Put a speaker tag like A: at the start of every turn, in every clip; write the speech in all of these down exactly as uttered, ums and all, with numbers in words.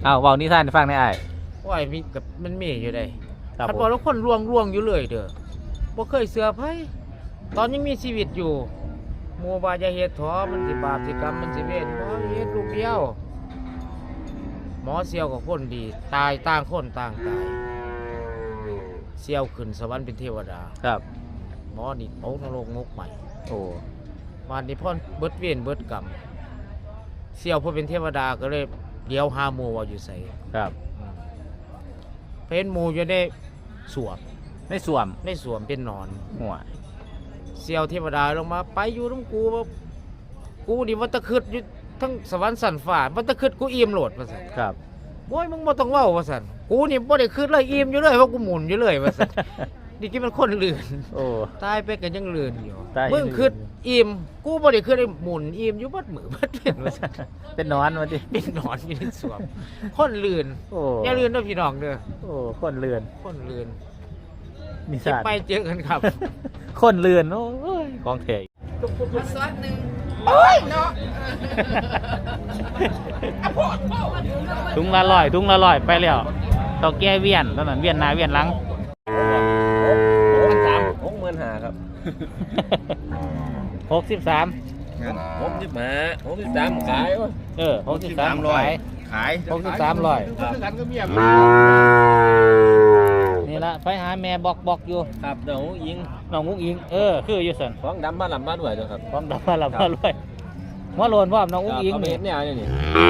A: อ้าวเว้านิทานให้ฟังได้อ้าย
B: ว่ามีกับมันมีอยู่ได้
A: ครับ
B: คันบอกแล้วคนลวงลวงอยู่เลยเด้อบ่เคยเสือไผตอนยังมีชีวิตอยู่หมู่ว่าอย่าเฮ็ดถอมันสิบาปสิกรรมมันสิเวรบ่เฮ็ดลูกเดียวหมอเสี่ยวกับคนดีตายต่างคนต่างตายเสี่ยวขึ้นสวรรค์เป็นเทวดา
A: ครับ
B: หมอนี่ตกนรกงกใหม่
A: โอ้
B: วันนี้พ่อเบิดเวรเบิดกรรมเสี่ยวพอเป็นเทวดาก็เลยเดี๋ยวหาหมู่ว่าอยู่ไส
A: ครับ
B: เป็นหมู่อยู่ในสวม
A: ในสวม
B: ในสวมเป็นนอน
A: หัว
B: เสี่ยวเทวดาลงมาไปอยู่น้ำกูว่ากูนี่วัตะคืดอยู่ทั้งสวรรค์สันฟ้าวัตะคืดกูอิ่มโหลดว่าสัน
A: ครับ
B: โอ้ยมึงบ่ต้องเว้าว่าสันกูนี่บ่ได้คืดเลยอิ่มอยู่เลยเพราะกูหมุนอยู่เลยว่าสันนี่ที่มันคนลื่น
A: โอ้
B: ตายไปกันยังลื่นอยู่
A: มึ
B: งคืดอิ่มกูบ่ได้คืดได้หมุนอิ่มอยู่บัดมือบัดเป็นว่าสัน
A: เป็นนอนว่าติ
B: เป็นนอนอยู่ในสวมคนลื่น
A: โอ้
B: อย่าลื่นเด้อพี่น้องเด้อ
A: โอ้คนลื่น
B: คนลื่น
A: มีสาร
B: ไปเจอกันครับ
A: คนลื่นโอ้ยของแท้
B: ซอสนึงโอ้ยเนาะ
A: ถุงละร้อยถุงละร้อยไปแล้วต่อแก้เวียนตอนนั้นเวียนหน้าเวียนหลัง
C: หกสามหกหมื่นห้าครับ
A: หกสิบสาม
C: หกสิบห้าหกสิบสามขาย
A: เออหกสิบสามร้อย
C: ขาย
A: หกสิบสามร้อยนี่ละไปหาแม่บอกบอกอยู่
C: ครับน้องยิง
A: น้องมุ้งอิงเออคืออยู่สัน
C: ของดำมาลำมาด้วยครับ
A: ของดำมาลำมาด้วยหัวโลนพ่อน้องมุ้งอิง
C: นี่เนี่ยนี่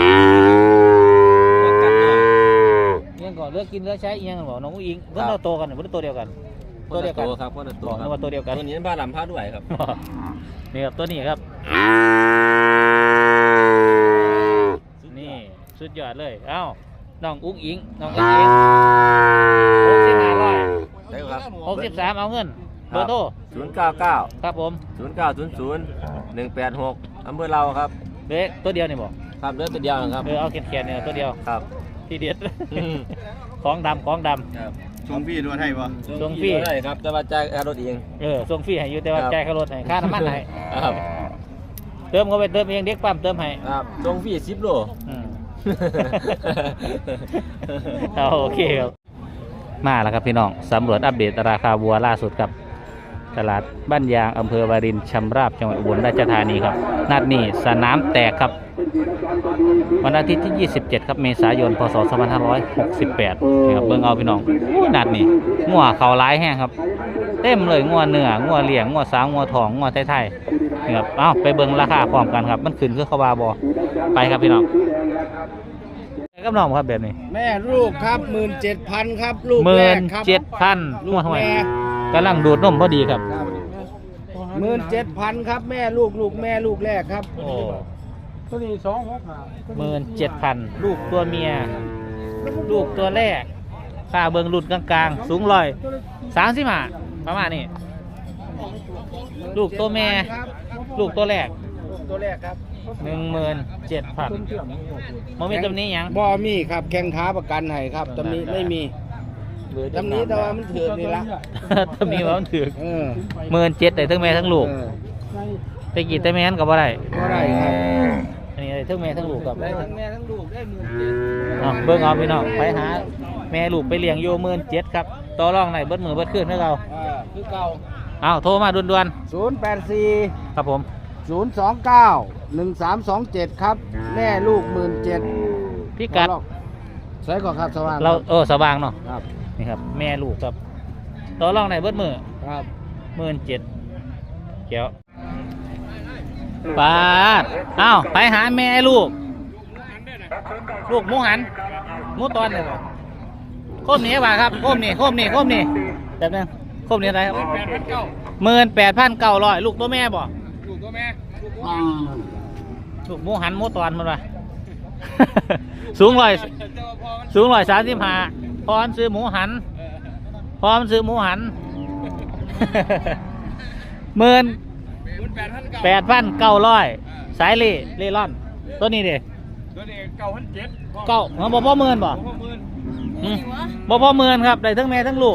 A: ยังก่อนเลือกกินเลือกใช้ยังบอกน้องมุ้งอิงเพิ่งเราโตกันหรือเพิ่งโตเดียวกัน
C: ตัวเดียวกันครับคนละตัว
A: บอกว่าตัวเดียวกัน
C: ตัวนี้บ้านลำพาด้วยครับ
A: นี่ครับตัวนี้ครับนี่สุดยอดเลยเอ้าน้องอุ้งอิงน้องอุ้งอิงหกสิบห้าร้อย
C: ได้ครับ
A: หกสิบสามเอาเงินเบอร์โทร
C: ศูนย์เก้าเก้า
A: ครับผม
C: ศูนย์เก้าศูนย์ศูนย์หนึ่งแปดหกอำเภอเราครับ
A: เด็กตัวเดียวนี่บอก
C: ครับเลือตัวเดียวครับ
A: เออเอาเขียนๆเนี่ยตัวเดียว
C: ครับ
A: ที่เด็ดของดำของดำ
D: ส่งฟรีด้วยให้ปะ
A: ส่งฟรี
C: ได้ครับจะมาจ่ายค่ารถเอง
A: เออส่งฟรีให้อยู่แต่ว่าจ่ายค่ารถให้ค่าน้ำมันให้
C: ครับ
A: เติมเขาไปเติมเองเด็กปั๊มเติมให้
C: ครับส่งฟรีสิบโล
A: เอาโอเคครับมาแล้วครับพี่น้องสำรวจอัปเดตราคาวัวล่าสุดครับตลาดบ้านยางอำเภอวารินชำราบจังหวัดอุบลราชธานีครับนัดนี้สนามแตกครับวันอาทิตย์ที่ยี่สิบเจ็ดครับเมษายนพศสองพันห้าร้อยหกสิบแปดนี่ครับเบิ่งเอาพี่น้องนัดนี้งัวเขาร้ายแห้งครับเต็มเลยงัวเนื้องัวเหลี่ยงงัวสาวงัวทองงัวไทยๆนี่ครับเอ้าไปเบิ่งราคาพร้อมกันครับมันขึ้นคือเขาบาบอไปครับพี่น้องกับน้องครับแบบนี้
B: แม่ลูกครับหมื่นเจ็ดพันครับลูก
A: แรกครับเจ็ดพันลูกแม่กำลังดูดนมพอดีครับ
B: หมื่นเจ็ดพันครับแม่ลูกลูกแม่ลูกแรกครับ
A: โอ้
B: ตัวนี้สองหก
A: หมื่นเจ็ดพันลูกตัวเมียลูกตัวแรกค่าเบิ่งรุ่นกลางๆสูงร้อยสามสิบห้าประมาณนี้ลูกตัวแม่ลูกตัวแรก
B: ตัวแรกครับ
A: หนึ่งหมื่นเจ็ดพันมันมีตำหนิยัง
B: บ่มีครับแข้งขาประกันให้ครับตำหนิไม่มีตำหนิแต่ว่ามันถือนี่ละ
A: ตำหนิว่ามันถือหมื่นเจ็ดแต่ทั้งแม่ทั้งลูกไปกี่แต่แม่นก็บ่ได้
B: บ่ได้ครับ
A: อันนี้ทั้งแม่ทั้งลูกกับ
B: ได้ทั้งแม่ทั้งลูกได้หมื่นเจ็ด
A: เบิ่งเอาพี่น้องไปหาแม่ลูกไปเลี้ยงโยหมื่นเจ็ดครับต่อรองไหนเบิดมือเบิดขึ้นให้เรา
B: คือเก่า
A: เอาโทรมาด่วน
B: ๆศูนย์แปดสี่
A: ครับผม
B: ศูนย์สองเก้าหนึ่งสามสองเจ็ดครับแม่ลูกหมื่นเจ็ด
A: พี่กัด
B: ใช้ก่อนครับสว่าง
A: เราเออสว่างเนาะครับนี่ครับแม่ลูกครับต่อรองไหนเบิดมือ
B: ครับ
A: หมื่นเจ็ดเขียวปาดเอ้าไปหาแม่ลูกลูกหมูหันหมูตอนเลยโคมนี้ว่าครับโคมนี้โคมนี้โคมนี้แบบนึงโคมนี้อะไรครับหมื่นแปดพันเก้าร้อยลูกตัวแม่บ่
B: ลูกตัวแม่
A: ลูกหมูหันหมูตอนมันว่าสูงร้อยสูงร้อยสามสิบห้าพร้อมซื้อหมูหันพร้อมซื้อหมูหันหมื่นแปดพันเก้าร้อยสายเล่เล่ร่อนตัวนี้ดิ
B: ตัวนี้เก้าพันเจ็ด
A: เก้าบ่พ่อหมื่นบ่บ่พ่อหมื่นครับได้ทั้งแม่ทั้งลูก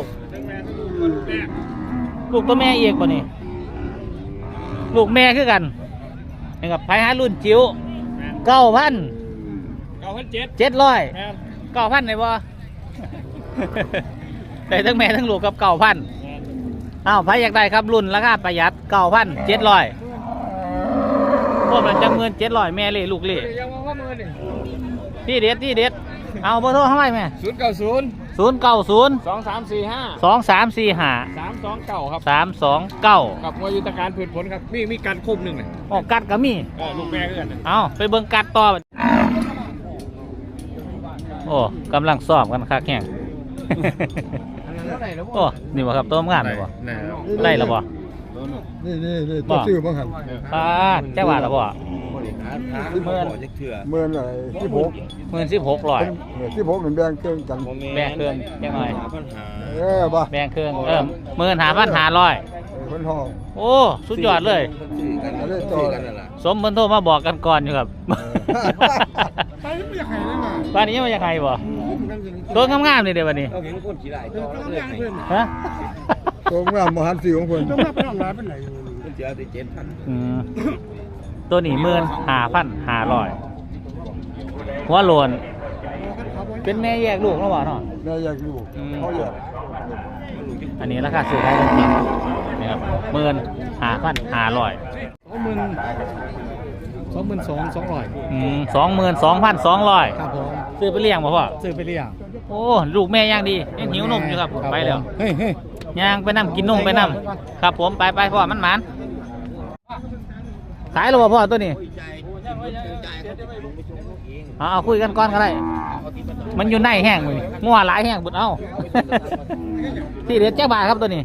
A: ลูกตัวแม่เอกบ่นี่ลูกแม่คือกันนี่กับไผ่หารุ่นจิ๋วเก้าพันเก้าพันเจ็ดเจ็ดร้อยเก้าพันได้บ่ ได้ทั้งแม่ทั้งลูกกับเก้าพันอ้าวใครอยากได้ครับรุ่นราคาประหยัดเก้าพันเจ็ดร้อยพวกมันจังเงินเจ็ดร้อยแม่เลยลูกเลยที่เด็ดที่เด็ดเอาเบอร์โทรเข้าไปไหม
C: ศูนย์เก้าศูนย์
A: ศูนย์เก้าศูนย์
C: สองสามสี่ห้า
A: สองสามสี่ห้า
C: สามสองเก้าครับ
A: สามสองเก้า
C: กับมวยยุทธการพืชผลครับมีมีการควบหนึ่งเลย
A: ออกกัดก็มี
C: เออลูกแม่เอื้อน
A: เอาไปเบิ่งกัดต่อโอ้กำลังซ้อมกันคักแข่ง โอ้นี่บ่ครับตัวงามนี่บ่ได้แล้วบ่
D: นี่นี่นี่ตัวซื้อบ้างครับ
A: ป้าแจ้ว่าแล้วบ่
C: เมื่อเถื่อ
D: เมื่อไหร่ที่พก
A: หมื่นสิบหกร้อย
D: ที่พกหนึ่งแบงเครื่องกัน
A: แบ่งเครื่องจังหน่อย
D: เออป่ะ
A: แบ่งเครื่องเออหมื่นห้าพันห้าร้อย
D: คนห้อง
A: โอ้สุดยอดเลย
D: อะไรต่อ
A: สมเพิ่นโทรมาบอกกันก่อนอยู่ครับ
D: ไปไม่อยากให้เลยนะ
A: บ้านนี้มันยังไงบ่ตัวงามๆนี่เด้อบัดนี้
C: เราเห็นคนขี่ไหลต่อเรื่อยๆ
A: ฮะ
D: ตัวงามมหันต์สีของคน
C: ต้องมาไปทำร้านเป็นไหนมันเจอติเจ็ดพัน
A: อืมตัวนี้หมื่นห้าพันห้าร้อยหัวโลนเป็นแม่แยกลูกแล้วบ่เนาะ
D: แม่อยากอยู่เขาอยาก
A: อันนี้ราคาซื้อได้จริงๆนี่ครับหมื่นห้าพันห้าร้อย
D: สองหมื่นสองหมื่นสองสองร้อย
A: อืมสองหมื่นสองพันสองร้อย
D: ครับผม
A: ซื้อไปเลี้ยงบ่พ่อ
D: ซื้อไปเลี้ยง
A: โอ้ลูกแม่ย่างดียังหิวนมอยู่ครับไปแล้ว
D: เฮ้ยเฮ้ย
A: ย่างไปนํกินนมไปนํครับผมไปไปพ่อมันหมานขายแล้วบ่พ่อตัวนี้เอาเอาคุยกันก่อนก็ได้มันอยู่ในแห้งมืองัวหลายแห้งบุดเอา ที่เด็ดเจ้าบาทครับตัวนี้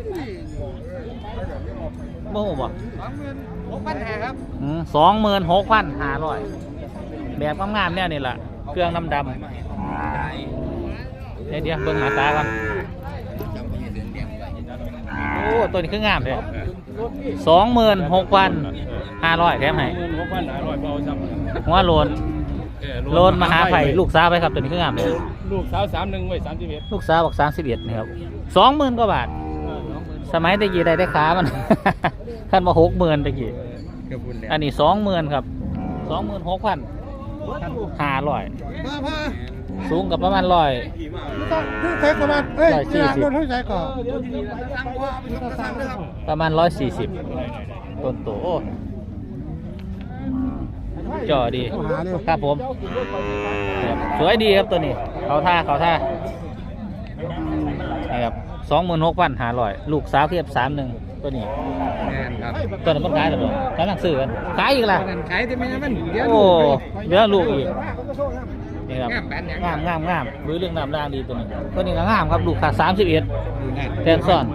A: โม่บ่
C: หกพันห้าครับ
A: สองหมื่นหกพันห้าร้อยแบบงามๆเนี่ยนี่แหละเครื่องดำดำเดี๋ยวเดี๋ยวเบิ่งหน้าตากันโอ้ตัวนี้คืองามเลยสองหมื่นหกพันห้าร้อยแถมให้
C: หกพันห้าร้อยเบาจัง
A: หัวโลนโลนมหาไผ่ลูกสาวไปครับตัวนี้คืองามเลย
C: ลูกสาวสามหนึ่งไว้สามสิบเอ็ด
A: ลูกสาวบอกสามสิบเอ็ดนี่ครับสองหมื่นกว่าบาท สมัยตะกี้ได้ได้ขามัน ขั้นมาหกหมื่นตะกี้
C: กับคุณเนี่ย
A: อันนี้สองหมื่นครับสองหมื่นหกพันห้าร้อย
D: มาพา
A: สูงกับประมาณร้อย
D: ที่ใช้ประมาณเอ้ย
A: ร้อยสี่
D: ที่
A: สิบ
D: ร้านรถที่ใช้ก่อน
A: ประมาณร้อยสี่สิบต้นโตโอ้จ่อดีครับผมครับสวยดีครับตัวนี้เขาท่าเขาท่านี่ครับสองหมื่นหกพันห้าร้อยลูกสาวเทียบสามหนึ่งตัวนี้
C: แม่นครับ
A: ตัวนั้นมันขายหรือเปล่ากำลังซื้อกันขายอีกล่ะ
C: ขายที่ไม่มันเดี๋ยว
A: โอ้เดี๋ยวลูกอีกนี่ครับ
C: งามแปดอย่าง
A: งามงามงามรู้เรื่องน้ำร่างดีตัวนี้ตัวนี้ก็งามครับลูกขาดสามสิบเอ็ดแทนซ่อน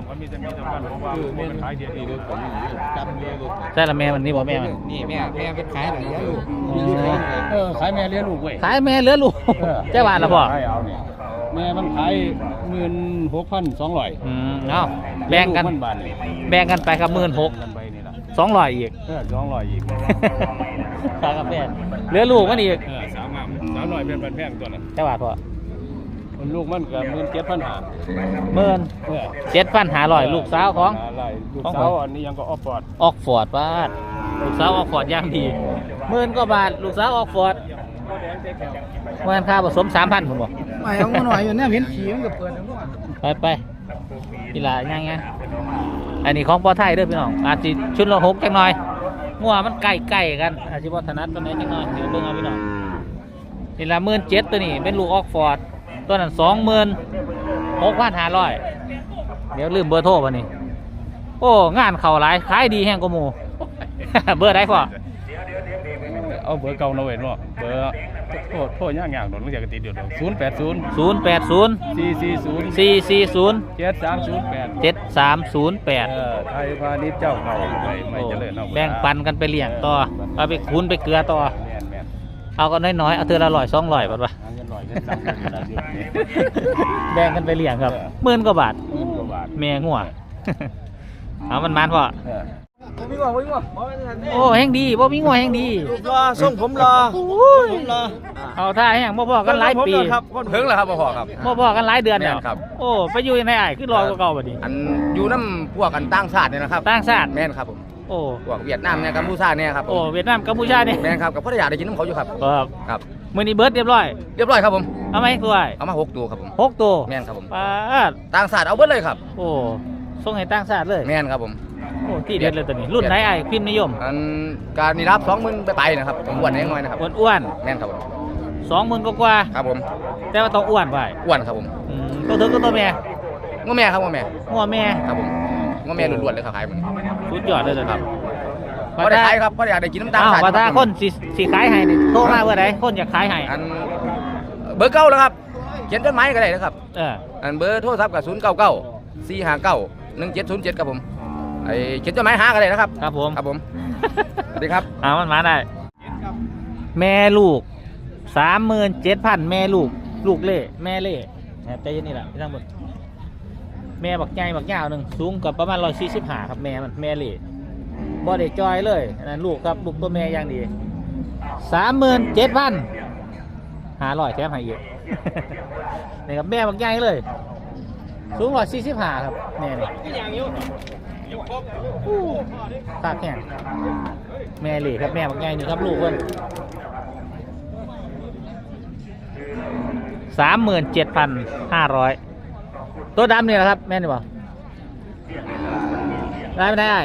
A: ใช่ละแม่มันนี่บอกแม่มัน
C: นี่แม่แม่เป็นขายหรือเลี้ยงลูก
A: เออ
C: ขายแม่เลี้ยงลูกเว้ย
A: ขายแม่เหลือลูกเจ้าบ้านละพ่อ
C: แม่มันขายหมื่นหกพันสองร้อย
A: อืมเอาแบ่งกัน
C: บาทนี่
A: แบ่งกันไปครับหมื่นหก
C: กันไปนี่ละ
A: สองร้อยอีก
C: เออสองร้อยอีก
A: ขายกาแฟเหลือลูกมันอีก
C: เออสามอ่ะสามร้อยเป็นพันแพงตัวนั้น
A: เจ้าบ้านพ่อ
C: มันลูกมันก็หมื่นเจ็ดพันห้า
A: หมื่น
C: เออ
A: เจ็ดพันห้าร้อยลูกสาวของ
C: อะไรลูกสาวอันนี้ยังก็ออฟฟอร์ด
A: ออกฟอร์ดบ้านลูกสาวออกฟอร์ดย่างดีหมื่นกว่าบาทลูกสาวออกฟอร์ดเมื่อค่าผสมสามพันผมบอก
D: ไม่เอามาหน่อยอยู่เนี่ยเห็นขี่มันก็เปิด
A: ไปไปกีฬาย่างไงอันนี้ของปอไทยเด้อพี่น้องอาจจะชุดละหกจังหน่อยงัวมันใกล้ใกล้กันอาจจะบ่ถนัดตัวไหนจังหน่อยเดี๋ยวเบิ่งเอาพี่น้องนี่ละหมื่นเจ็ดตัวนี้เป็นลูกออกฟอร์ดตัวนั้นสองหมื่นหกพันห้าร้อยเดี๋ยวลืมเบอร์โทรป่ะนี่โอ้งานเข่าหลายขายดีแห้งกว่าหมู เบอร์ได้พอ
C: เอาเบอร์เก่าหน่อยเนาะเบอร์โทษโทษยากยากหน่อยมันจะติดเดี๋ยวศูนย์แปดศูนย์
A: ศูนย์แปดศูนย์
C: สี่สี่ศูนย์
A: สี่สี่ศูนย์
C: เจ็ดสามศูนย์แปด
A: เจ็ดสามศูนย์แปด
C: เออไทยพาณิชย์เจ้าเขาไม่ไม่เจริญเอา
A: แบ่งปันกันไปเลี้ยงต่อเอาไปคูนไปเกลือต่อ
C: แม่นแม่น
A: เอากันน้อยๆเอาเทือละร้อยสองร้อยบาทวะ
C: หาเงินหน่อยเงินซ้ำเงินกระดาษอยู่นี่
A: แบ่งกันไปเลี้ยงครับหมื่นกว่าบาท
C: หมื่นกว่าบาท
A: แม่งัว เอามันมันพอ
C: เออ
B: มีว่ามีว่า
A: โอ้แห้งดีบ่มีงัวแห้งดี
B: รอส่งผมรอผมรอ
A: เอาท่าแห้งบ่พอกันหลายปี
B: ถึงแล้วครับพ่อครับ
A: บ่พอกันหลายเดือนแล้ว
B: แม่นครับ
A: โอ้ไปอยู่ในไอ้ายคือรอกว่าเก่าบัดนี้
B: อันอยู่น้ำพวกกันต่างชาติเนี่ยนะครับ
A: ต่างชาติ
B: แม่นครับผม
A: โอ้
B: พวกเวียดนามเนี่ยกัมพูชาเนี่ยครับผม
A: โอ้เวียดนามกัมพูชานี่
B: แม่นครับกับพัทยาได้กินน้ำเขาอยู่ครับ
A: ครับ
B: ครับ
A: มื้อนี้เบิดเรียบร้อย
B: เรียบร้อยครับผม
A: เอาไหมกล้วย
B: เอามาหกตัวครับผม
A: หกตัว
B: แม่นครับผม
A: ปาด
B: ต่างศาสตร์เอาเบิดเลยครับ
A: โอ้ส่งให้ต่างชาติเลย
B: แม่นครับผม
A: โอ้ที่เด็ดเลยตัวนี้รุ่นไหนไอ้พิมพ์นิยม
B: อันการนี่รับสองหมื่นไปไปนะครับผมอ้วนนิดหน่อยนะครับ
A: อ้วน
B: แม่นครับผม
A: ๆสองหมื่นกว่า
B: ครับผม
A: ๆแต่ว่าต้องอ้วนไป
B: อ้วนครับผม
A: อืมตัวถึงก็ตัวแม่
B: ง้อแม่ครับง้อแม่
A: งัวแม่
B: ครับผมง้อแม่ล้วนๆเลยครับขายมัน
A: สุดยอดเลยตัว
B: ครั
A: นี้
B: บพอได้ขายครับพอได้อยากได้กินน้ำตาล
A: อ้าว
B: สาย
A: ว่าถ้าคนสิสิขายให้นี่โทรมาเมื่อใดคนอยากขายให้
B: อันเบอร์เก้าแล้วครับเขียนจดหมายก็ได้นะครับ
A: เออ
B: อันเบอร์โทรศัพท์กับศูนย์เก้าเก้าสี่ห้าเก้าหนึ่งเจ็ดศูนย์เจ็ดครับผมไอเขียนจดหมายหาก็ได้นะครับ
A: ครับผม
B: ครับผมสวัสดีครับ
A: เอามันมาได้ แม่ลูกสามหมื่นเจ็ดพันแม่ลูก ลูกเล่แม่เล่ใจเย็นนี่แหละพี่ทั้งหมดแม่บักใหญ่บักยาวหนึ่งสูงกับประมาณร้อยสี่สิบห้าครับแม่มันแม่เล่บ่ได้จอยเลยอันนั้นลูกครับลูกตัวแม่อย่างดีสามหมื่นเจ็ดพันหาร้อยแถมให้อีก นี่ครับแม่บักใหญ่เลย สูงร้อยสี่สิบห้าครับแม่นี่ตากแข็งแม่เหล่ครับแม่บักใหญ่นี่ครับลูกเพิ่นสามหมื่นเจ็ดพันห้าร้อยตัวดำนี่แหละครับแม่นี่บ่ได้ไม่ได้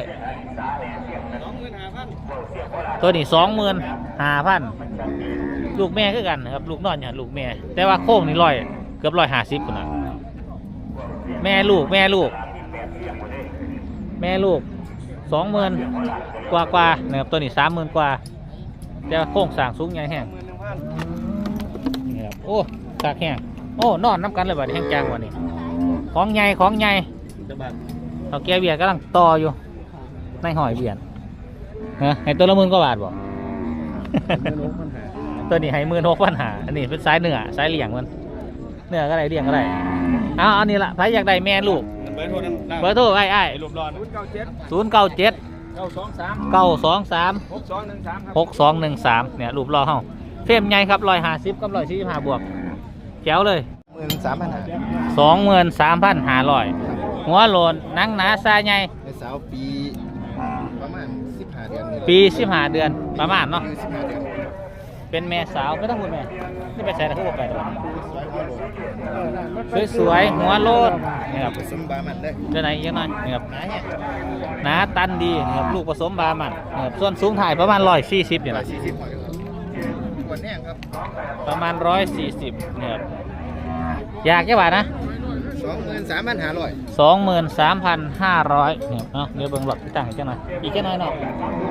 A: ตัวนี้สองหมื่นห้าพันลูกแม่คือกันนะครับลูกนอนอย่างลูกแม่แต่ว่าโค้งนี่ร้อยเกือบร้อยห้าสิบคนนะแม่ลูกแม่ลูก แม่ลูกสองหมื่นกว่ากว่านะครับตัวนี้สามหมื่นกว่าแต่ว่าโค้งสร้างสูงใหญ่แห้งนี่ครับโอ้ตากแห้งโอ้นอนน้ำกันเลยบัดนี้แห้งจางกว่านี้ของใหญ่ของใหญ่เขาแก้เบียร์กำลังต่ออยู่ในหอยเบียร์ฮะให้ตัวละหมื่นกว่าบาทบ่ ตัวนี้ให้หมื่นหกพันหาอันนี้เป็นสายเนื้อสายเหลี่ยงมันเนื้อก็ได้เลี่ยงก็ได้เอาอันนี้ละใครอยากได้แม่ลูกเบอร์โทรเบอร์โทรไอ้ไอ้รูปรอนศูนย์เก้าเจ็ดเก้าสองสามเก้าสองสามหกสองหนึ่งสามหกสองหนึ่งสามเนี่ยรูปรอเฮาเฟรมใหญ่ครับร้อยห้าสิบกับร้อยสี่สิบห้าบวกแจ๋วเลย
D: หมื่นสามพันหา
A: สองหมื่นสามพันห้าร้อยหัวโลนหนังหนาซาใหญ่
D: ในสาวปีประมาณสิบห้าเดือนนี่แหละ
A: ปีสิบห้าเดือนประมาณเนาะ
D: สิบห้าเดือน
A: เป็นแม่สาวไม่ต้องพูดแม่นี่ไปใส่ตะคุบไปตลอด
D: สวยหัวโลน
A: สวยๆหัวโลนนี่ครับ
D: ผสมบามันได้
A: เดี๋ยวไหนยังไงนี่ครับ
D: หนาเนี่ย
A: หนาตันดีนะครับลูกผสมบามันนะครับส่วนสูงถ่ายประมาณร้อยสี่สิบเนี่ย
D: ร้อ
A: นะ
D: ยสี่สิบหอยครับขวดแน่ครับ
A: ประมาณร้อยสี่สิบเนี่ยครับอยากแค่บาทนะ
D: สองหมื่นสามพันหาร้อย
A: สองหมื่นสามพันห้าร้อยเนี่ยเนาะเดี๋ยวเบิ่งหลอดที่ตั้งอีกแค่หน่อยอีกแค่น้อยเนาะ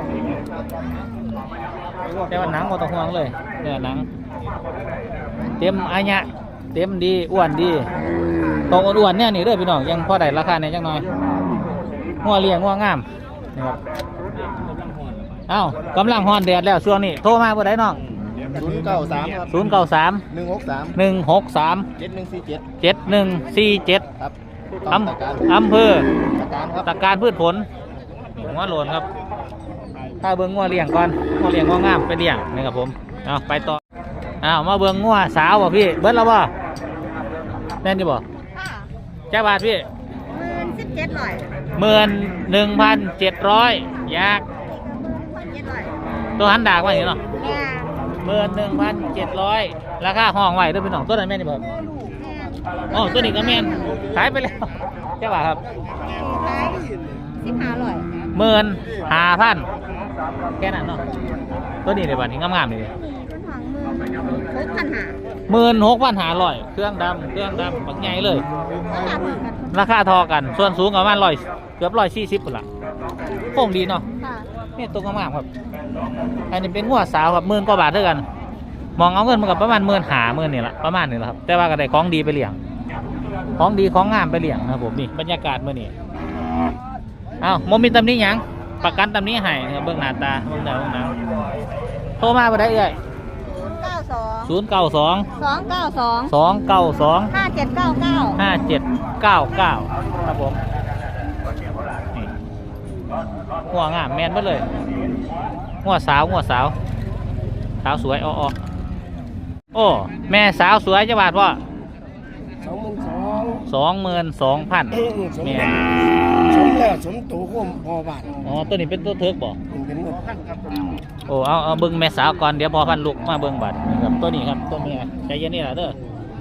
A: แต่ว่าหนังหมดตะห่วงเลยเนี่ยหนังเต็มอายะเต็มดีอ้วนดีตรงอ้วนๆเนี่ยนี่เด้อพี่น้องยังพอได้ราคาเนี่ยจังหน่อยงัวเลี้ยงงัวงามนะครับเอ้ากำลังฮอนแดดแล้วช่วงนี้โทรมาเมื่อใดน้อง
D: ศูนย์เก้าสามครับ
A: ศูนย์เก้าสาม
D: หนึ่งหกสาม
A: หนึ่งหกสาม
D: เจ็ดหนึ่งสี่เจ็ด
A: เจ็ดหนึ่งสี่เจ็ด
D: ครับ
A: อ
D: ตะการ
A: ำอำเภอ
D: ตะการครับ
A: ตะการพืชผลงัวโหลนครับถ้าเบิ้งงัวเลี้ยงก่อนงัวเลี้ยงงัวงามไปเลี้ยงนี่ครับผมเอาไปต่อเอามาเบิ้งงัวสาวบ่พี่เบิ้งแล้วบ่แน่นดีบ่
E: ค่ะ
A: แจ้าบาทพี่
E: หมื่นสิบเจ็ดร้อย
A: หมื่นหนึ่งพันเจ็ดร้อยยาก
E: พันเจ็ดร้อย
A: ตัวหันดากว่าอย่างนี้เนาะ
E: แม่
A: หมื่นหนึ่งพันเจ็ดร้อยราคาห้องไว้เด้วยพี่น้องตัวนั้นแม่นดีบ่
E: แม่
A: อ๋อตัวนี้ก็แม่นขายไปแล้วแจ้าบาทครับ
E: ขายสิบห้าร้อย
A: หมื่นห้าพันแค่นั้นเนาะตัวนี้เลยบัดนี้งามๆเลย
E: ต้นหางมือหกพันหา
A: หมื่นหกพันห้าร้อยเครื่องดำเครื่องดำบักใหญ่เลย
E: ราคาเหมือนกัน
A: ราคาทอกันส่วนสูงประมาณร้อยเกือบร้อยสี่สิบคนละโค้งดีเนาะ
E: ค่ะ
A: นี่ตัวงามๆครับอันนี้เป็นงัวสาวครับหมื่นกว่าบาทด้วยกัน มองเอาเงินมันกับประมาณหมื่นหาหมื่นนี่แหละประมาณนี้แหละครับแต่ว่าก็ได้ของดีไปเลี้ยงของดีของงามไปเลี้ยงนะครับผมนี่บรรยากาศเมื่อนี้อ้าวโมมีตำหนี้ยังประกันตำหนี้ให้นะครับเบื้องหน้าตาเบื้องหน้าเบื้องหนังโทรมาบ่ได้เอ่ย
E: เก้าสอง
A: ศูนย์เก้าสอง
E: สองเก้าสอง
A: สองเก้าสอง
E: ห้าเจ็ดเก้าเก้า
A: ห้าเจ็ดเก้าเก้าครับผมนี่หัวงามแมนไปเลยหัวสาวหัวสาวสาวสวยอ้อๆโอ้แม่สาวสวยจะบาทว่า
D: สองหมื่นสอง
A: สองหมื่นสองพันแม่
D: สมแล้วสมตัวก็พอบาท
A: อ๋อตัวนี้เป็นตัวเทิร์กบ่
D: มันเป็นหมดพันครับ
A: โอ้เอาเอาเบิ้งแม่สาวก่อนเดี๋ยวพอพันลูกมาเบิ้งบัตรนี่ครับตัวนี้ครับตัวเมียใจเย็นนี่แหละเด้อ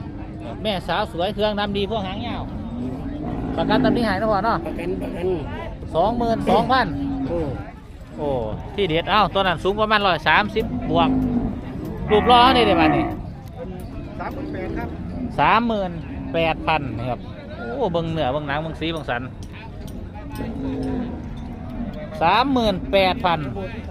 A: แม่สาวสวยเครื่องดำดีพวกหางยาวประกันตำหนิหายนะพ่อเนาะ
B: ประกันประกัน
A: สองหมื่นสองพัน
B: โอ้
A: โอ้ที่เด็ดเอ้าตัวนั้นสูงประมาณร้อยสามสิบบวกรูปล้อนี่เดี๋ยวมานี่
D: สามหมื่นแปดครับ
A: สามหมื่นแปดพันนะครับโอ้เบิ้งเหนือเบิ้งหนังเบิ้งสีเบิ้งสันสามหมื่นแปดพัน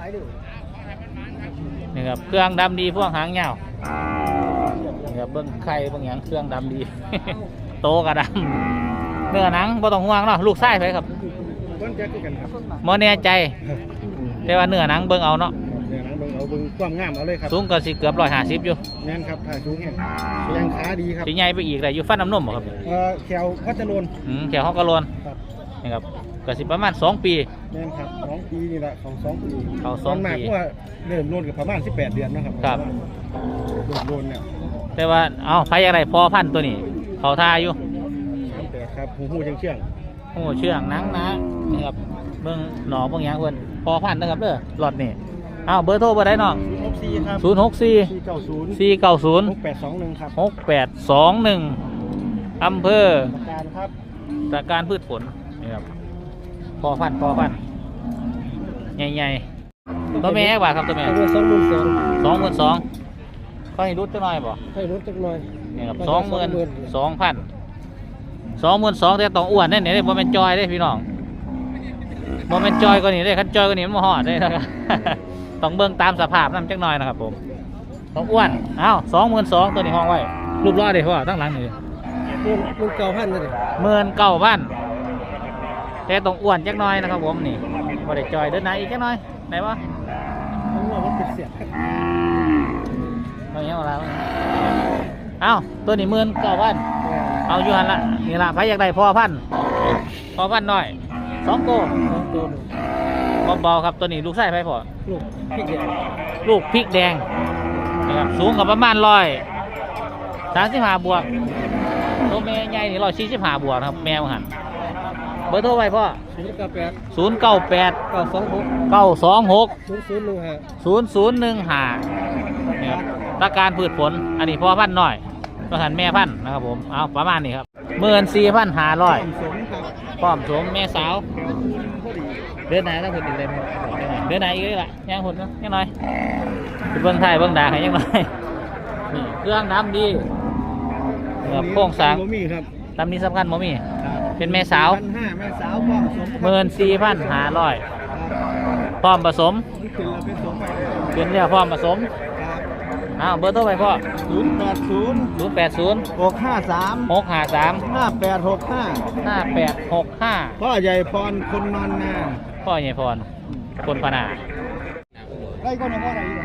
A: นี่ครับเครื่องดำดีพวกหางยาวนี่ครับเบิ้งไข่เบิ้งหยังเครื่องดำดี โตกระดำเนื้อหนังบ่ต้องห่วงเนาะลูกไส้ไปครับ
D: เบิ้งแจ็คกันครับ
A: โมแน่ใจ แต่ว่าเนื้อหนังเบิ้งเอาเนาะ
D: เนี่ยนะเบิ้งเอาเบิ้งความงามเอาเลยครับ
A: สูงก็สิเกือบร้อยห้าสิบอยู่
D: แน่นครับถ่ายสูงแห้งยังขาดีครับ
A: สิใหญ่ไปอีกเลยอยู่ฟันน้ำนมบ่ครับ
D: เอ่อแขวพัชรน
A: อืมแถวห้องกระโลน
D: ครับ
A: นี่ครับก็สิประมาณสองปี
D: แน่นครับสองปีนี่แหละของสองปี
A: เขาสองปี
D: มันมากเพราะว่าเริ่มโลนกับประมาณสิบแปดเดือนนะครับ
A: ครับ
D: เริ่มโลนเนี่ย
A: แต่ว่าเอาไผอะไรพอพันธุ์ตัวนี้ เขาท่าอยู่
D: สิบแปดครับหูหูเชียงเชียง
A: โอ้เชื่องหนังนะนี่ครับเบิ่งหนอเบิ่งหยังเพิ่นพอพันธุ์นะครับเด้อหลอดนี่เอาเบอร์โทรเบอร์ใดเนาะ
D: หกสี่ครับ
A: ศูนย์หกสี่
D: สี่เก้าศูนย์
A: สี่เก้าศูนย์
D: หกแปดสองหนึ่งครับ
A: หกแปดสองหนึ่งอำเภอ
D: ประการครับ
A: ตระการพืชผลนี่ครับพอพันธุ์พอพันธุ์ใหญ่ๆตัวแม่แอกบาทครับตัวแม่
D: ตัวสองหมื่นสอง
A: สองหมื่นสองเขาให้รุดจักหน่อยบ่
D: ให้ลดจักหน่อย
A: นี่ครับสองหมื่นสองพันสองหมื่นสองแต่ต้องอ้วนแน่เนี่ยโมเมนจอยได้พี่น้องโมเมนจอยก็นี่ได้คันจอยก็นี่มันบ่ฮอดได้นะครับ ต้องเบิ่งตามสภาพนั่นจักหน่อยนะครับผมต้องอ้วนอ้าวสองหมื่นสองตัวนี้ห้องไว้รูปรอดเลยเพราะว่าตั้งหลังนี่
D: เงินเงินเก่าพันเลย
A: หมื่นเก้าพันแต่ต้องอ้วนจักหน่อยนะครับผมนี่บ่ได้จอยเดินไหนอีกจักหน่อยไหนวะ
D: มันว่ามันเป็นเสียบ
A: เอาอย่างนี้เอาละเอ้าตัวนี้หมื่นเก้าพันเอาอยู่หันละนี่ละใครอยากได้พอพันพอพันหน่อยสองตัว
D: สองตัว
A: เบาๆครับตัวนี้ลูกไส้ไผ่พอ
D: ลูกพี่เดียว
A: ลูกพริกแดงนะครับสูงกับประมาณร้อยสามสิบห้าบวกตัวแม่ใหญ่นี่ร้อยสี่สิบห้าบวกนะครับแมวหันเบอร์โทรไว้พ่อ
D: ศูนย์เก้าแปด
A: ศูนย์เก้าแปด
D: เก้าสองหก
A: เก้าสองหก
D: ศูนย์ศูนย์หนึ่งห้า
A: ศูนย์ศูนย์หนึ่งห้านี่ครับตะการพืชผลอันนี้พ่อพันธุ์น้อยตัวหันแม่พันธุ์นะครับผมเอาประมาณนี้ครับหมื่นสี่พันห้าร้อย
D: สมครับ
A: พร้อมสวมแม่สาว
D: พอดี
A: เดือนไหนต้องหุ่นอีกเลยไหมเดือนไหนอีกเลยล่ะยังหุ่นเนาะยังน้อยไปเบิ้งไทยเบิ้งดาให้ยังน้อยนี่เครื่องน้ำดีแบบโค้งสร้าง
D: บ่มีครับ
A: ตำนี้สำคัญบ่มี เป็นแม่สาว
D: พันห้าแม่สาวพร้อมสม
A: หมื่นสี่พันห้าร้อยพร้อมผสม
D: ขึ้นแล้วเป็นสมใหม่เลย
A: เป็นเรียกพร้อมผสม
D: ครับ
A: อ้าวเบอร์โทรไปพ่อ
D: ศูนย์แปดศูนย์
A: ศูนย์แปดศูนย์
D: หกห้าสาม
A: หกห้าสาม
D: ห้าแปดหกห้า
A: ห้าแปดหกห้า
D: พ่อใหญ่พรคนนอนนา
A: พ่อใหญ่พรคนพนา
D: ไอ้ก็ในพ่อไหนอยู่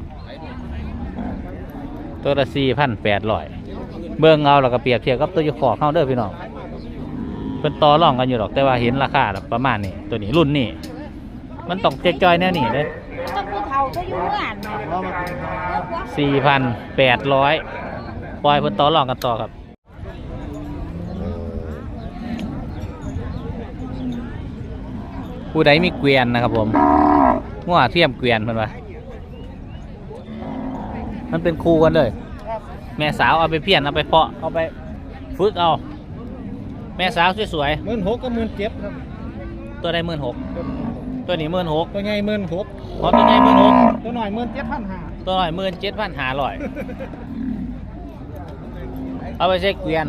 A: ตัวละสี่พันแปดร้อยเบิ่งเอาแล้วก็เปรียบเทียบกับตัวอยู่ขอกเข้าเด้อพี่น้องเป็นต่อรองกันอยู่หรอกแต่ว่าเห็นราคาแบบประมาณนี้ตัวนี้รุ่นนี้มันต้องเจ๊กจอยแน่นี่เลย
E: ต้องผู้เฒ่าจะอยู่งานเนาะ
D: พ่อมา
A: สี่พันแปดร้อยปล่อยเพิ่นต่อรองกันต่อครับผู้ใดมีเกวียนนะครับผมงัวเทียมเกวียนเพิ่นว่ามันเป็นคู่กันเลยแม่สาวเอาไปเพี้ยนเอาไปเพาะเอาไปฝึกเอาแม่สาวสวย
D: หมื่นหกกับหมื่นเจ็ดครับ
A: ๆตัวใดหมื่นหกตัวนี้หมื่นหก
D: ตัวใหญ่หมื่นหก
A: พร้อมยังไงหมื่นหก
D: ตัวหน่อยหมื่นเจ็ดพันห้า
A: ตัวหน่อยหมื่นเจ็ดพันห้าร้อยเอาไปเช็คเกวียน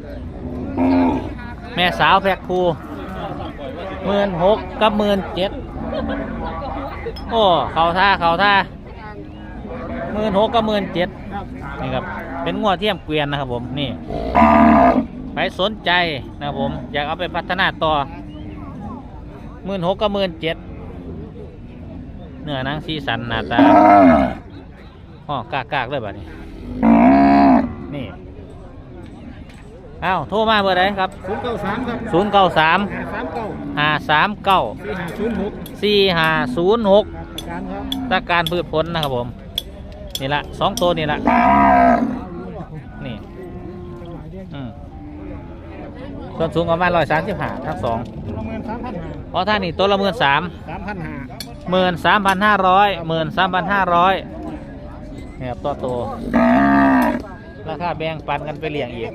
A: แม่สาวแพ็คคูหมื่นหกกับหมื่นเจ็ดโอ้เขาท่าเขาท่าหมื่นหกกับหมื่นเจ็ดนี่ครับเป็นงัวเทียมเกวียนนะครับผมนี่ใครสนใจนะครับผมอยากเอาไปพัฒนาต่อหมื่นหกกับหมื่นเจ็ดเนื้อหนังสีสันหน้าตาอ๋อกากากๆเลยแบบนี้นี่อ้าวโทรมาเบอร์ไหนครับ
D: ศูนย์เก้าสามครับ
A: ศูนย์เก้าสาม
D: สามเก้า
A: ห้าสามเก้า
D: สี่ห้าศูนย์หก
A: สี่ห้าศูนย์หก
D: การครับ
A: ตาการพืชผลนะครับผมนี่ละสองตัวนี่ละนี่อืมส่วนสูงประมาณร้อยสามสิบห้าทั้งสอง
D: ตัวละหมื่นสามพันห้า
A: เพราะท่านนี่ตัวละหมื่นสาม
D: สามพันห้า
A: หมื่นสามพันห้าร้อยหมื่นสามพันห้าร้อยนี่ครับตัวโตราคาแบ่งปันกันไปเลี้ยงอีก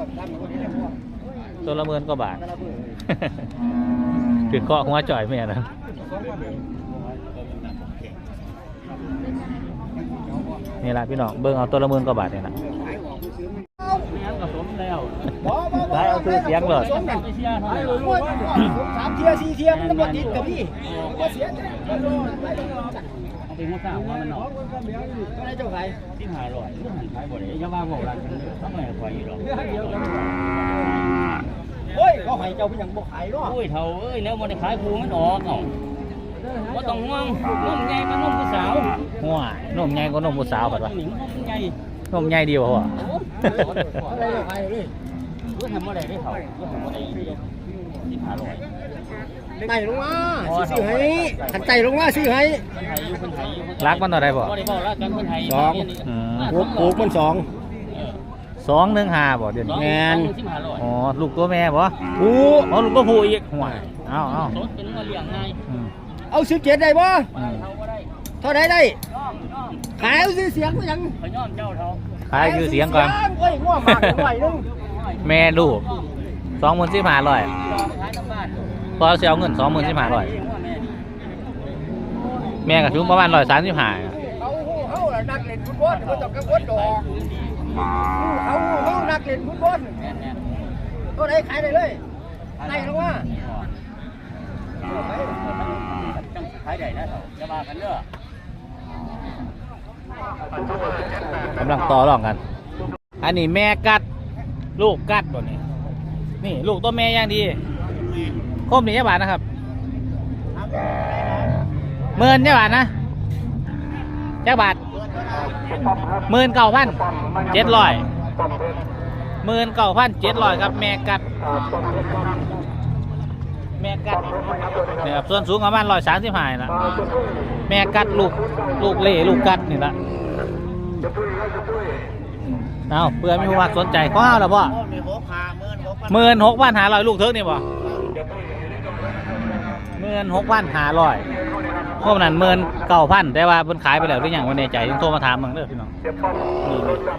A: ตัวละหมื่นกว่าบาท คือเกาะหัวจ่อยแม่นะนี่แหละพี่น้องเบิ่งเอาตัวละหมื่นกว่าบาทเนี่ยนะได้เอาซื้อเสียงเลย
D: สามเทียสี่เทียมันบ่ติดกับพี่บ่เสีย
C: เป็นหัวข้าวว่ามันเนาะ
D: ก็ได้เจ้าไข่
C: ที่หาร้อยที่หันขายบ่ได้อย่าว่าบอกรักกันเด้อทำไมขายอยู่หรอก
D: โอ้ยเขาให้เจ้าเป็นหยังบ่ขายเนาะ
C: โอ้ยเฒ่าเอ้ยแล้วบ่ได้ขายคูมันออกเอ้าบ่ต้องห่วงนมใหญ่มันนมผู้สาว
A: หัวนมใหญ่กว่านมผู้สาวผัดวะ
C: หนิงนมใหญ่
A: นมใหญ่ดีกว่าหัว
D: อะไรเจ้าไข่เลย
C: รู้ทำบ่ได้ได้เฒ่ารู้ทำบ่ได้ที่หาร้อย
D: ไต่ลงมาซื้อให้ขันไต่ลงมาซื้อให้
C: เพิ่นให้อยู่เพิ่นให้อยู่เพิ่น
A: รักมันต่อได้บ่
C: บ่ได้บอกรักกันเพิ่นให้
D: สอง
A: อืม
D: ปลูกปลูกมันสอง
A: สองหนึ่งห้าบ่เดี๋ยวนี้
D: แม่น
C: ที่หาร้อย
A: อ๋อลูกตัวแม่บ่
D: ปลูก
A: อ๋อลูกตัวผู้อีกหัวเอาเอา
C: รถเป็นว่าเลี้ยงง่าย
A: อืม
D: เอาสิบเจ็ดได้บ่
A: อืม
C: เฒ่าบ่ได้
D: เท่าไหร่ได้
C: น้องน้อง
D: ขายเอาซื้อเสียงมันหยัง
C: เขาย้อมเจ้าเฒ่า
A: ขายคือเสียงก่อน
D: โอ้ยง่วงมากหน่อยนึง
A: แม่ลูกสองหมื่นสิบห้าร้อย
C: ขายน้ำบ้าน
A: พอเสียเอาเงินสองหมื่นสิบห้าร้อย
C: เลี้ยงว่าแม่นี่
A: แม่ก็ถึงประมาณร้อยสามสิบห้า
D: เขาเขาล่ะนักเล่นฟุตบอลบ่ต้องกังวลดอกเขาเขานักเล่นฟุตบอล
C: แม่นแม่น
D: ก็ได้ขายได้เลยไต่ลงมา
C: จังขายได้นะเฒ่าอย่าว่ากันเด้อก
A: ำลังต่อรองกัน อันนี้แม่กัด ลูกกัดตัวนี้ นี่ลูกตัวแม่อย่างดีคมนี่ยาบาทนะครับหมื่นยาบาทนะยาบาทหมื่นเก้าพันเจ็ดร้อยหมื่นเก้าพันเจ็ดร้อยครับแม่กัด แม่กัดเนี่ยครับส่วนสูงประมาณร้อยสามสิบห้าละแม่กัดลูกลูกเล่ลูกกัดนี่ละเอาเพื่อมีผู้มักสนใจข้าวแล้วป่ะหมื่นหกพันหาร้อยลูกเทิกนี่ป่ะหมื่นหกพันหาร้อยพวกนั้นหมื่นเก้าพันแต่ว่าเพิ่นขายไปแล้วหรือยังวันในใจยังโทรมาถามมึงเด้อพี่น้องนี่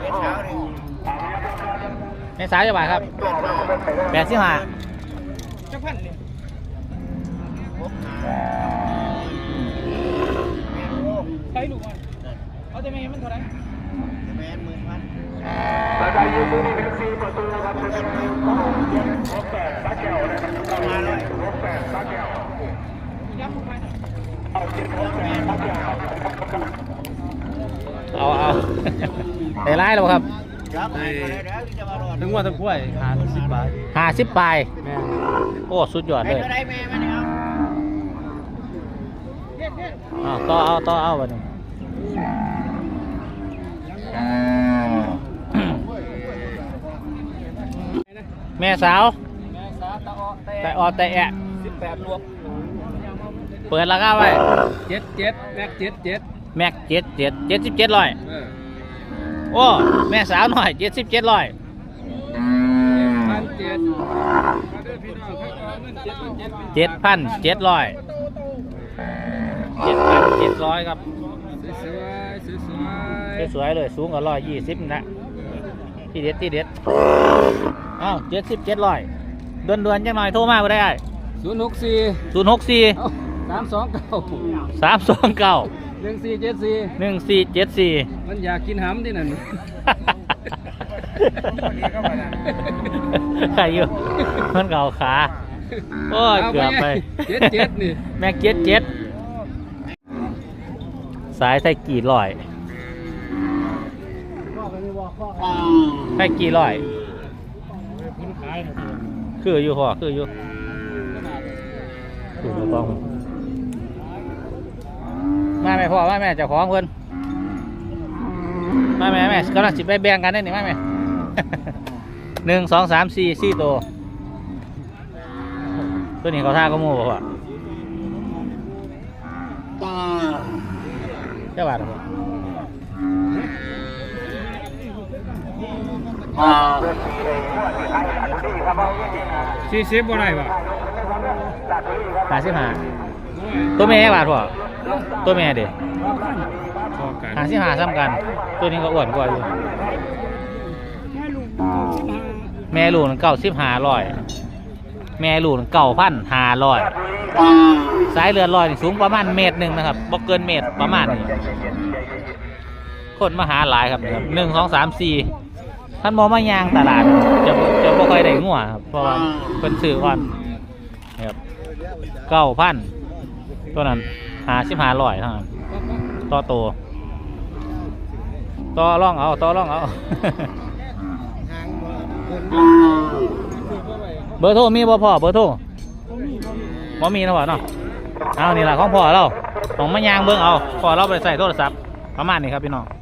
A: ในสายจะบาทครับแปดสิบห้า
D: จักพันนี่
B: ใช้ลูกมันเอาแต่แม่มันเท่าไหร่
D: แม่นหมื่นพัน
A: เอาเอาได้ไล่แล้วครับ
C: ถึงว่าทั้งกล้วยหาสิบบาท
A: ห้าสิบปลาย
C: แม่
A: โอ้สุดยอดเลย
D: ได้แม่มันเอา
A: เอาต่อเอาต่อเอาบัดนี้ แม่สาว
C: แม่สาตะออแต่
A: แต่ออแต่แอะ
C: สิบแปดรวม
A: เปิดราคาไว้
C: เจ็ดเจ็ดแม็กเจ็ดเจ็ด
A: แม็กเจ็ดเจ็ดเจ็ดสิบเจ็ดร้อย
C: เออ
A: โอ้แม่สาวหน่อยเจ็ดสิบเจ็ดร้อย
C: พันเจ็ดมาเด้อพี่น้องครับเอาเงินเจ็ดพันเจ็ด
A: เจ็ดพันเจ็ดร้อยเจ็ดพันเจ็ดร้อยครับ
C: สวยสวย
A: สวยๆเลยสูงกว่าร้อยยี่สิบนะที่เด็ดที่เด็ดอ้าวเจ็ดสิบเจ็ดร้อยเดือนเดือนๆจังหน่อยโทรมาก็ได้
C: ศูนย์หกสี่
A: ศูนย์หกสี่
C: สามสองเก้า
A: สามสองเก้า
C: หนึ่งสี่เจ็ดสี่
A: หนึ่งสี่เจ็ดสี่
C: มันอยากกินหำที่นั่น
A: ใครอยู่มันเก่าขาโอ้ยเกือบไป
C: เจ็ดเจ็ดนี่
A: แม็กเจ็ดเจ็ดสายไทยกี่ร้อยไทยกี่ร้อยคืออยู่พ่อคืออยู่คืออยู่ต้องมาแม่พ่อมาแม่เจ้าของเพิ่นมาแม่แม่กำลังสิไปแบ่งกันได้หนิมาแม่ หนึ่งสองสามสี่สี่ตัวตัวนี้เขาท่าก็มูบ่พ่อเจ้าบาทครับ
C: สี่สิบบ่ได้ป่ะ
A: ห้าสิบห้าตัวแม่บาทพ่อตัวแม่เด็
C: พอกัน
A: ห้าสิบห้าซ้ำกัน ตัวนี้ก็อ้วนกว่าอยู่แม่ลูกเก้าสิบห้าร้อยแม่ลูกเก้าพันห้าร้อยสายเลือดลอยนี่สูงประมาณเมตรหนึ่งนะครับบ่เกินเมตรประมาณนี้คนมาหาหลายครับนะครับหนึ่งสองสามสี่ท่านมองมายางตลาดจะจะบ่ค่อยได้งัวครับเพราะว่าเป็นซื้อก่อนนะครับเก้าพันตัวนั้นหาสิบห้าร้อยเท่านั้นต่อโตต่อร่องเอาต่อร่องเอา เบอร์โทรมีบ่พ่อเบอร์โทรบ่มีนะพ่อเนาะเอานี่แหละของพ่อเราของมายางเบิ่งเอาพ่อเราไปใส่โทรศัพท์ประมาณนี้ครับพี่น้อง